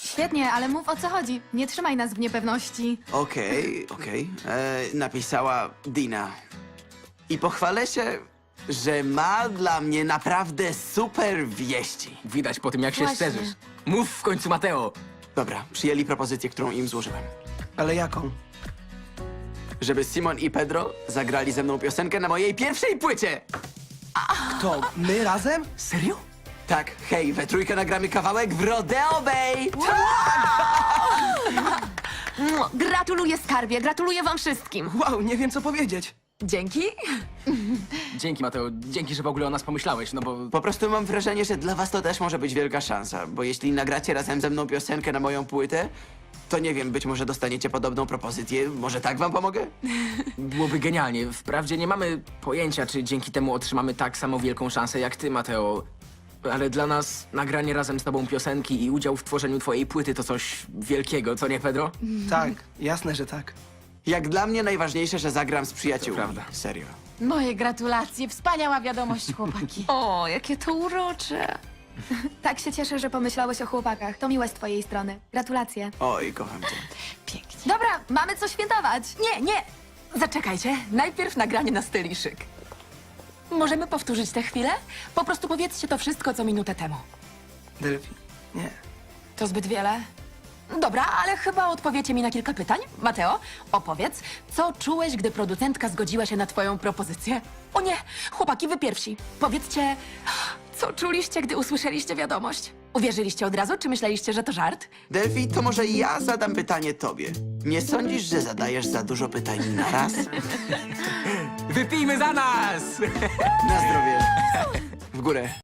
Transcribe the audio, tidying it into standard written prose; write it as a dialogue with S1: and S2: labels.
S1: Świetnie, ale mów o co chodzi. Nie trzymaj nas w niepewności.
S2: Okej. Napisała Dina. I pochwalę się, że ma dla mnie naprawdę super wieści.
S3: Widać po tym, jak się
S1: Właśnie.
S3: szczerzysz. Mów w końcu, Mateo.
S2: Dobra, przyjęli propozycję, którą im złożyłem.
S4: Ale jaką?
S2: Żeby Simon i Pedro zagrali ze mną piosenkę na mojej pierwszej płycie.
S4: To my razem?
S3: Serio?
S2: Tak, hej, we trójkę nagramy kawałek w Rodeo Bay!
S5: Gratuluję, skarbie, gratuluję wam wszystkim.
S4: Wow, nie wiem co powiedzieć.
S5: Dzięki.
S3: Dzięki, Mateo. Dzięki, że w ogóle o nas pomyślałeś, no bo...
S2: Po prostu mam wrażenie, że dla was to też może być wielka szansa, bo jeśli nagracie razem ze mną piosenkę na moją płytę, to nie wiem, być może dostaniecie podobną propozycję. Może tak wam pomogę?
S3: Byłoby genialnie. Wprawdzie nie mamy pojęcia, czy dzięki temu otrzymamy tak samo wielką szansę jak ty, Mateo. Ale dla nas nagranie razem z tobą piosenki i udział w tworzeniu twojej płyty to coś wielkiego, co nie, Pedro?
S4: Tak, jasne, że tak.
S2: Jak dla mnie najważniejsze, że zagram z przyjaciółmi.
S3: To prawda.
S2: Serio.
S6: Moje gratulacje, wspaniała wiadomość, chłopaki.
S5: O, jakie to urocze.
S1: Tak się cieszę, że pomyślałeś o chłopakach. To miłe z twojej strony. Gratulacje.
S2: Oj, kocham cię.
S5: Pięknie.
S1: Dobra, mamy co świętować.
S5: Nie. Zaczekajcie, najpierw nagranie na styl i szyk. Możemy powtórzyć tę chwilę? Po prostu powiedzcie to wszystko, co minutę temu.
S4: Delphi, nie.
S5: To zbyt wiele? Dobra, ale chyba odpowiecie mi na kilka pytań. Mateo, opowiedz, co czułeś, gdy producentka zgodziła się na twoją propozycję? O nie, chłopaki, wy pierwsi. Powiedzcie, co czuliście, gdy usłyszeliście wiadomość? Uwierzyliście od razu, czy myśleliście, że to żart?
S2: Delphi, to może ja zadam pytanie tobie. Nie sądzisz, że zadajesz za dużo pytań na raz?
S3: Wypijmy za nas!
S2: Na zdrowie. W górę.